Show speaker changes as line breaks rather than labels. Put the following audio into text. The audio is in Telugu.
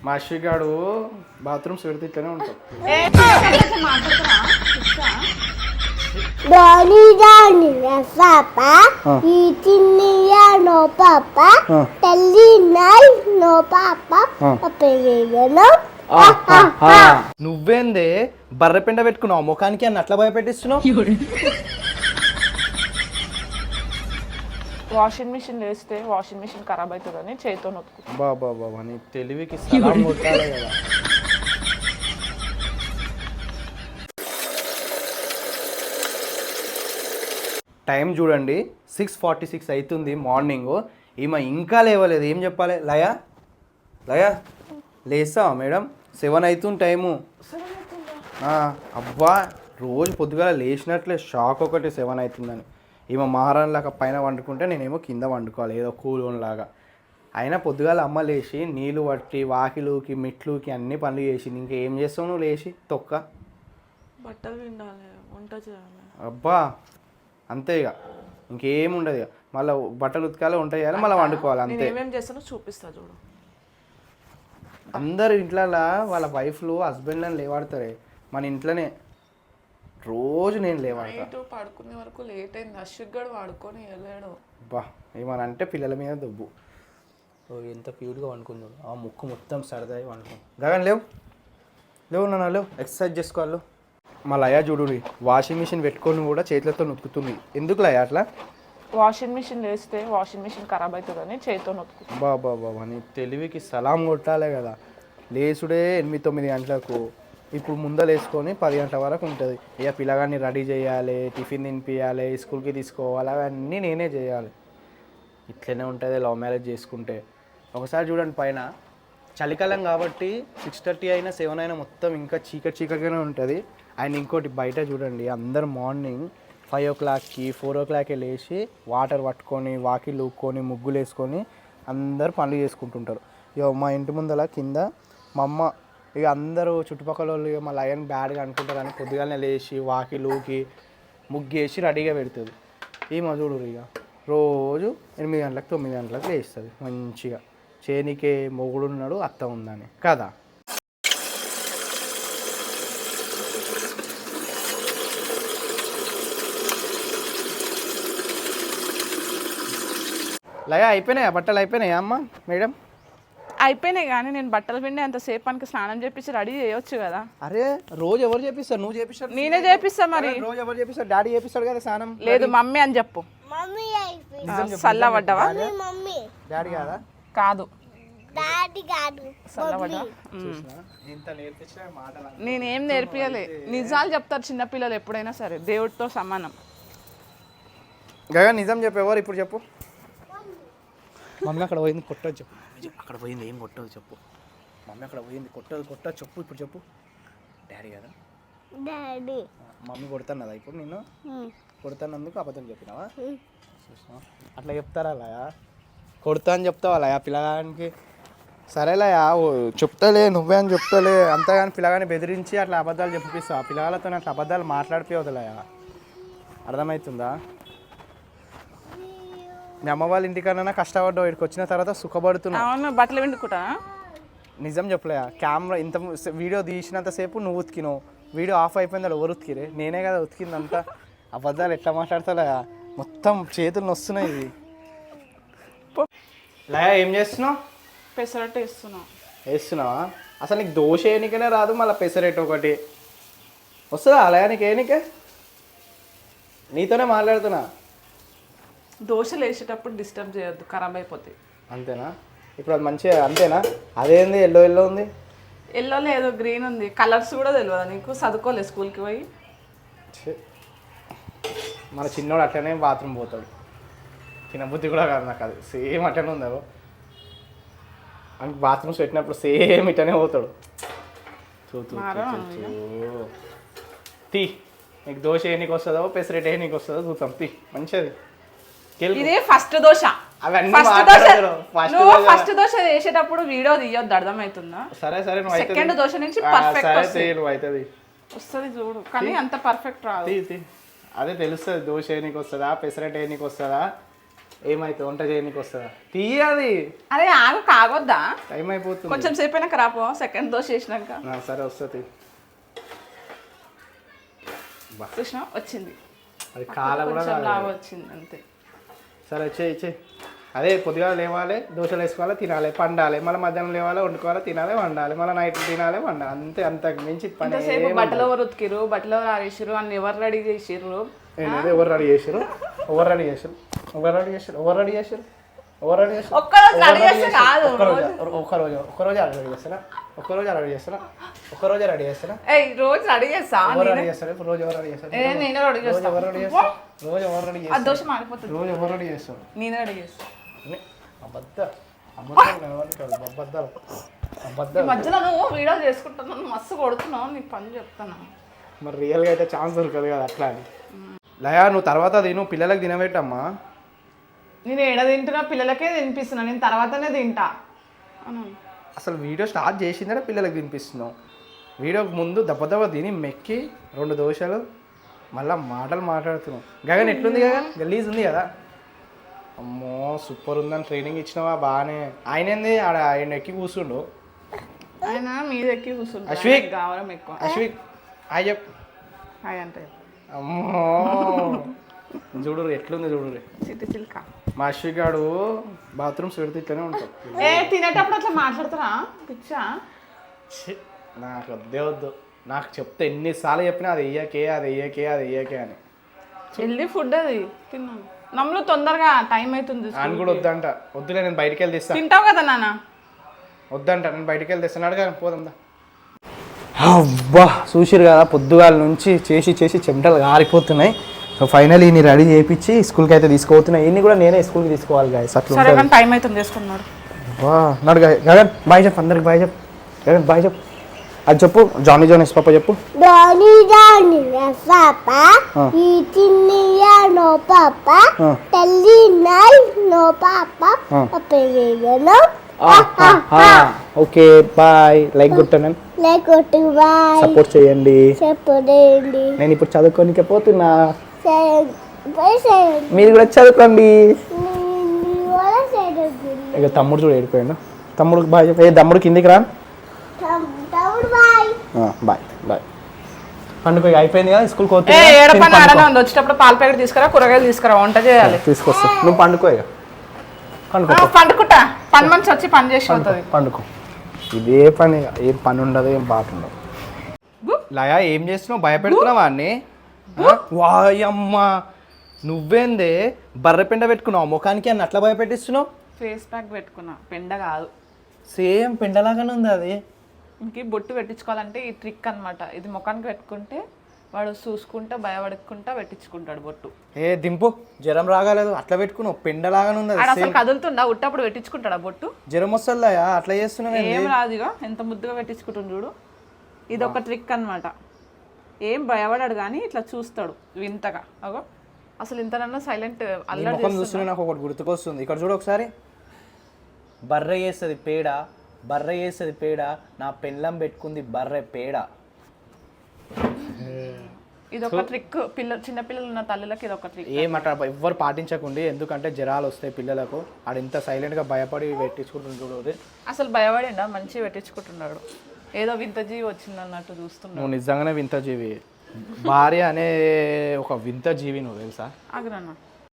మా అశ్విగాడు బాత్రూమ్స్ పెడితే ఇట్లనే ఉంటాం. నువ్వేందే బర్రె పెండ పెట్టుకున్నావు ముఖానికి అని అట్లా భయపెట్టిస్తున్నావు.
వాషింగ్ మిషన్ వేస్తే వాషింగ్ మిషన్ ఖరాబ్ అవుతుందని చేతితో నొక్కు.
బాబా బాబా నీ తెలివికి సలాం కొట్టాలి కదా. టైం చూడండి 6:46 అవుతుంది మార్నింగ్. ఈమె ఇంకా లేవలేదు. ఏం చెప్పాలి? లయా లయా లేస్తావా మేడం? 7 అవుతుంది టైము. అబ్బా రోజు పొద్దుగాల లేచినట్లే షాక్ ఒకటి 7 అవుతుందని. ఈమె మహారాణి లాగా పైన వండుకుంటే నేనేమో కింద వండుకోవాలి ఏదో కూలోన్లాగా. అయినా పొద్దుగాల అమ్మ లేచి నీళ్ళు పట్టి వాకిలుకి మెట్లుకి అన్ని పనులు చేసి ఇంకేం చేస్తావు నువ్వు లేచి తొక్క?
బట్టలు పిండాలి, వంట చేయాలి.
అబ్బా అంతే ఇక ఇంకేం ఉండదు. ఇక మళ్ళీ బట్టలు ఉతకాలి, వంట చేయాలి, మళ్ళీ వండుకోవాలి అంతే.
ఏమేమి చేస్తానో చూపిస్తా చూడు.
అందరు ఇంట్లో వాళ్ళ వైఫ్లు హస్బెండ్లను లేవాడతారే, మన ఇంట్లోనే రోజు నేను లేవాడతా.
పడుకునే వరకు లేట్ అయింది. అశ్విక్ గడు వాడుకొని వెళ్ళాడు.
బా ఏమని అంటే పిల్లల మీద దుబ్బు. ఎంత క్యూట్గా వండుకుందాడు. ఆ ముక్కు మొత్తం సరదాయి వండుకుంది. గగన్ లేవు లేవు నాన్న లేవు, ఎక్సర్సైజ్ చేసుకోవాలి. మా లయా చూడు వాషింగ్ మిషన్ పెట్టుకొని కూడా చేతులతో నొక్కుతుంది. ఎందుకు లయా అట్లా?
వాషింగ్ మిషన్ వేస్తే వాషింగ్ మిషన్ ఖరాబ్ అవుతుందని చేతితో నొక్కు.
బాబా బాబా నీ తెలివికి సలాం కొట్టాలే కదా. లేచుడే 8-9 గంటలకు. ఇప్పుడు ముందలేసుకొని 10 గంటల వరకు ఉంటుంది. ఇక పిల్లగాన్ని రెడీ చేయాలి, టిఫిన్ తినిపించాలి, స్కూల్కి తీసుకోవాలి, అవన్నీ నేనే చేయాలి. ఇట్లనే ఉంటుంది లవ్ మ్యారేజ్ చేసుకుంటే. ఒకసారి చూడండి పైన చలికాలం కాబట్టి 6:30 అయినా 7 అయినా మొత్తం ఇంకా చీకటిగానే ఉంటుంది. అండ్ ఇంకోటి బయట చూడండి అందరు మార్నింగ్ 5 o'clockకి 4 o'clockకి లేచి వాటర్ పట్టుకొని వాకిలు ఊక్కొని ముగ్గులు వేసుకొని అందరు పనులు చేసుకుంటుంటారు. ఇక మా ఇంటి ముందల కింద మా అమ్మ ఇక అందరూ చుట్టుపక్కల వాళ్ళు ఇక మా లయన్ బ్యాడ్గా అనుకుంటారు అని పొద్దుగానే లేచి వాకిలు ఊకి ముగ్గేసి రెడీగా పెడుతుంది. ఈ మజుడు ఇక రోజు 8 గంటలకు 9 గంటలకు లేస్తుంది మంచిగా. చేనికే మొగుడున్నాడు అత్త ఉందని కదా. లయ అయిపోయినాయా బట్టలు? అయిపోయినాయా అమ్మ మేడం?
అయిపోయినాయి కానీ నేను బట్టలు పిండి అంతసేపు మనకి స్నానం చేపించి రెడీ చేయొచ్చు కదా.
అరే రోజు ఎవరు చేపిస్తారు? నువ్వు చేపిస్తావు?
నేనే చేపిస్తా. మరి
రోజు ఎవరు చేపిస్తారు? డాడీ చేపిస్తాడు కదా స్నానం.
లేదు మమ్మీ అని చెప్పు. చల్లబడ్డావా?
డాడీ కాదా?
కాదు నేనేం నేర్పియలే. నిజాలు చెప్తారు చిన్నపిల్లలు ఎప్పుడైనా సరే, దేవుడితో సమానం.
గగా నిజం చెప్పేవారు ఇప్పుడు చెప్పు. మమ్మీ అక్కడ పోయింది కొట్టదు చెప్పు. అక్కడ పోయింది ఏం కొట్టదు చెప్పు. మమ్మీ అక్కడ పోయింది కొట్టదు చెప్పు ఇప్పుడు చెప్పు. డాడీ కదా?
డాడీ.
మమ్మీ కొడుతున్నదా ఇప్పుడు? నేను కొడుతున్నందుకు అబద్ధం చెప్పినావా? అట్లా చెప్తారా లయా? కొడతా అని చెప్తావా లయా పిల్లగానికి? సరేలయా చెప్తలే నువ్వే అని చెప్తలే అంతగాని పిల్లగాని బెదిరించి అట్లా అబద్ధాలు చెప్పిస్తావు. ఆ పిల్లగాలతో అట్లా అబద్ధాలు మాట్లాడిపోవద్దులయా, అర్థమవుతుందా? మీ అమ్మ వాళ్ళ ఇంటికన్నా కష్టపడ్డావు, ఇక్కడికి వచ్చిన తర్వాత సుఖపడుతున్నావు.
బట్టలు పిండుకుంటా.
నిజం చెప్పలేయా? కెమెరా ఇంత వీడియో తీసినంతసేపు నువ్వు ఉతికినావు, వీడియో ఆఫ్ అయిపోయింది ఎవరు ఉతికిరే? నేనే కదా ఉతికిందంతా. అబద్ధాలు ఎట్లా మాట్లాడతావులయా? మొత్తం చేతులు నొస్తున్నాయి. ఇది లయా ఏం చేస్తున్నావు?
పెసరట్టు
వేస్తున్నావా? అసలు నీకు దోశ వేయనికనే రాదు, మళ్ళీ పెసరట్టు ఒకటి వస్తుందా లయా నీకు వేయనికే? నీతోనే మాట్లాడుతున్నా.
దోశలు వేసేటప్పుడు డిస్టర్బ్ చేయొద్దు, ఖరాబ్ అయిపోతాయి.
అంతేనా? ఇప్పుడు అది మంచిగా అంతేనా? అదేంది ఎల్లో ఉంది?
ఎల్లోలో ఏదో గ్రీన్ ఉంది, కలర్స్ కూడా తెలియదా నీకు? చదువుకోలే స్కూల్కి పోయి?
మన చిన్నోడు అట్లనే బాత్రూమ్ పోతాడు. చిన్నబుద్ధి కూడా కాదు నాకు, అది సేమ్ అట్లనే ఉంది. అని బాత్రూమ్స్ పెట్టినప్పుడు సేమ్ ఇట్లనే పోతాడు. తీ నీకు దోశ ఏ నీకు వస్తుందో పెసరెట్ ఏ నీకు వస్తుందో చూద్దాం. తీ మంచిది.
ఇదే ఫస్ట్ దోశ. ఫస్ట్ దోశ వేసేటప్పుడు వీడియో తీయొద్దు, అర్థమవుతుందా?
సరే సరే.
సెకండ్ దోశ నుంచి పర్ఫెక్ట్
అవుతుంది
వస్తుంది చూడు, కానీ అంత పర్ఫెక్ట్ రాదు.
అదే తెలుస్తుంది దోశ ఏ నీకు వస్తుందా పెసరెట్ ఏ నీకు వస్తుందా ఏమైతే వంట చేయడానికి వస్తుందా తీయాలి,
అరే ఆగు, కాగొద్దా?
టైం అయిపోతుంది.
కొంచెం సేపు అయినాక రాపో, సెకండ్ దోశ వేసినాక.
సరే వస్తుంది.
చూసినా వచ్చింది,
అది కాల కూడా
కొంచెం
కాదు.
లాగా వచ్చింది అంతే.
సరే ఇచ్చే అదే పొద్దుగా లేవాలి, దోశలు వేసుకోవాలి, తినాలి, పండాలి, మళ్ళీ మధ్యాహ్నం లేవాలి, వండుకోవాలి, తినాలి, వండాలి, మళ్ళీ నైట్ తినాలి, వండాలి, అంతే. అంతకు మించి పని
ఇంతసేపు బట్టలు ఎవరు ఉతికిరు, బట్టలు ఎవరు ఆరేసిరు, అన్ని ఎవరు రెడీ చేసిర్రు?
ఎవరు రెడీ చేసారు? ఎవరు రెడీ చేసారు? ఎవరు రెడీ చేసారు? ఎవరు రెడీ చేసారు? ఎవరు రెడీ చేసారు?
ఒక్కరోజు రెడీ చేస్తే కాదు.
ఒక్కరోజు రెడీ చేస్తారా? ఒక్కరోజు రెడీ చేస్తారా? ఒక్కరోజే రెడీ చేస్తారా?
రోజు రెడీ చేస్తా.
ఎవరు రెడీ చేస్తారు? ఇప్పుడు రోజు ఎవరు రెడీ చేస్తారు?
నేనే రెడీ
రోజు
చేస్తా.
ఎవరు రెడీ చేస్తారు? రోజు ఎవరు రెడీ
ఆ
చేస్తారు?
దోశ మాడిపోతుంది.
రోజు ఎవరు రెడీ చేస్తారు?
నేనే రెడీ చేస్తా. ఈ మధ్యలో నువ్వు వీడియో చేసుకుంటున్నాను, మస్తు కొడుతున్నావు, నీకు పని చెప్తాను.
మరి రియల్గా అయితే ఛాన్స్ దొరకదు కదా అట్లా అని. లయా నువ్వు తర్వాత తిను, పిల్లలకి తినబెట్టమ్మా.
నేను ఏడ తింటున్నా, పిల్లలకే తినిపిస్తున్నా, నేను తర్వాతనే తింటా అన్నాను.
అసలు వీడియో స్టార్ట్ చేసిందే పిల్లలకి తినిపిస్తున్నావు. వీడియోకి ముందు దెబ్బ తిని మెక్కి 2 దోశలు మళ్ళీ మాటలు మాట్లాడుతున్నావు. గగన్ ఎట్లుంది? గగన్ గలీజ్ ఉంది కదా? అమ్మో సూపర్ ఉందని ట్రైనింగ్ ఇచ్చినావా బాగానే. ఆయన ఏంది ఆయన ఎక్కి కూర్చుండు.
ఆయన మీద ఎక్కి కూర్చుంటా.
అశ్విక్
గౌరవం ఎక్కువ.
అశ్విక్ హాయ్ చెప్.
హాయ్ అంటే
అమ్మో చూడురు ఎట్లుంది చూడురు.
చిట్టి చిల్క.
మా అశ్విక్ గాడు బాత్రూమ్స్ పెడితే ఇట్లనే ఉంటాం.
తినేటప్పుడు అట్లా మాట్లాడుతారా పిచ్చా?
నాకు వద్దే వద్దు. నాకు చెప్తే ఎన్నిసార్లు చెప్పినా అది వెయ్యకే అది వెయ్యకే అది వెయ్యకే అని.
హెల్దీ ఫుడ్ అది తిన్నాను. నమ్ములు తొందరగా టైం అవుతుంది.
ఆయన కూడా వద్దంట. వద్దులే నేను బయటికి వెళ్ళి తెస్తాను.
తింటావు కదా నాన్న?
వద్దంట, నేను బయటికి వెళ్ళి తెస్తాను. అడగా పోదాందా. అబ్బా చూసిరు కదా పొద్దుగాల నుంచి చేసి చెమటలు గారిపోతున్నాయి. సో ఫైనల్ ఇన్ని రెడీ చేయించి స్కూల్కి అయితే తీసుకుపోతున్నాయి. ఇన్ని కూడా నేనే స్కూల్కి తీసుకోవాలి గాయస్.
సరే కానీ టైం అవుతుంది చేసుకున్నాడు.
నడు గగన్ బాయ్ చెప్పు, అందరికి బాయ్ చెప్పు. గగన్ బాయ్ చెప్పు. అది చెప్పు, జానీ జోనెస్ పాప చెప్పు.
Johnny Johnny's papa, eating no papa, telling no papa, no.
Okay bye. Like కొట్టండి,
Like what to buy,
support చేయండి.
separately.
నేను ఇప్పుడు చదువుకోనికే పోతున్నా,
Say,
మీరు కూడా చదువుకోండి.
you wanna say the good?
ఇక తమ్ముడు చూడు ఏడిపోయాడు. తమ్ముడికి బాయ్ చెప్పు. ఏ తమ్ముడు కిందికి రా.
Bye.
Bye bye. పండుగ అయిపోయింది కదా, స్కూల్కి
ఏడ పని ఆడనే ఉంది. వచ్చేటప్పుడు పాల ప్యాకెట్ తీసుకురా, కూరగాయలు తీసుకురా, వంట చేయాలి.
తీసుకొస్తా. నువ్వు పండుకో ఇక.
పండుకుంటా. పని మనిషి వచ్చి పని చేసి పోతుంది.
పండుకో. ఇదే పని, ఏం పని ఉండదు, ఏం బాట ఉండదు. లయా ఏం చేస్తున్నావు? భయపెడుతున్నావా అన్ని? వాయమ్మ నువ్వేందే బర్రె పెండ పెట్టుకున్నావు ముఖానికి అని అట్లా భయపెట్టిస్తున్నావు?
ఫేస్ ప్యాక్ పెట్టుకున్నా, పెండ కాదు.
సేమ్ పెండలాగానే ఉంది అది.
ఇంక బొట్టు పెట్టించుకోవాలంటే ఈ ట్రిక్ అన్నమాట. ఇది ముఖానికి పెట్టుకుంటే వాడు చూసుకుంటా భయపడకుండా పెట్టించుకుంటాడు బొట్టు.
ఏ దింపు, జ్వరం రాగాలేదు అట్లా పెట్టుకున్నావు, పెండలాగానే ఉంది
ఆడ
అది.
అసలు కదులుతుండా? ఉట్టప్పుడు పెట్టించుకుంటాడా బొట్టు?
జ్వరం వస్తుందా అట్లా చేస్తున్నావు?
ఏం రాదుగా, ఎంత ముద్దుగా పెట్టించుకుంటుంది చూడు. ఇది ఒక ట్రిక్ అన్నమాట. ఏం భయపడాడు కానీ ఇట్లా చూస్తాడు వింతగా. అగో అసలు ఇంతనన్నా సైలెంట్ అల్లరి
ముఖం చూస్తున్నా నాకు ఒకటి గుర్తుకొస్తుంది. ఇక్కడ చూడు ఒకసారి. బర్రె వేస్తుంది పేడ, బర్రె వేస్తుంది పేడ, నా పెళ్ళం పెట్టుకుంది బర్రె పేడ.
ఇది ఒక ట్రిక్. చిన్న పిల్లలు ఉన్న తల్లులకి ఇది ఒక ట్రిక్.
ఏమట ఎవ్వరు పాటించకండి, ఎందుకంటే జ్వరాలు వస్తాయి పిల్లలకు. ఆడు ఎంత సైలెంట్గా భయపడి పెట్టించుకుంటుంది చూడు.
అసలు భయపడిండా? మంచిగా పెట్టించుకుంటున్నాడు. ఏదో వింత జీవి వచ్చింది అన్నట్టు చూస్తున్నాడు.
నువ్వు నిజంగానే వింత జీవి. భార్య అనే ఒక వింత జీవి, నువ్వు తెలుసా?
ఆగ్రహణ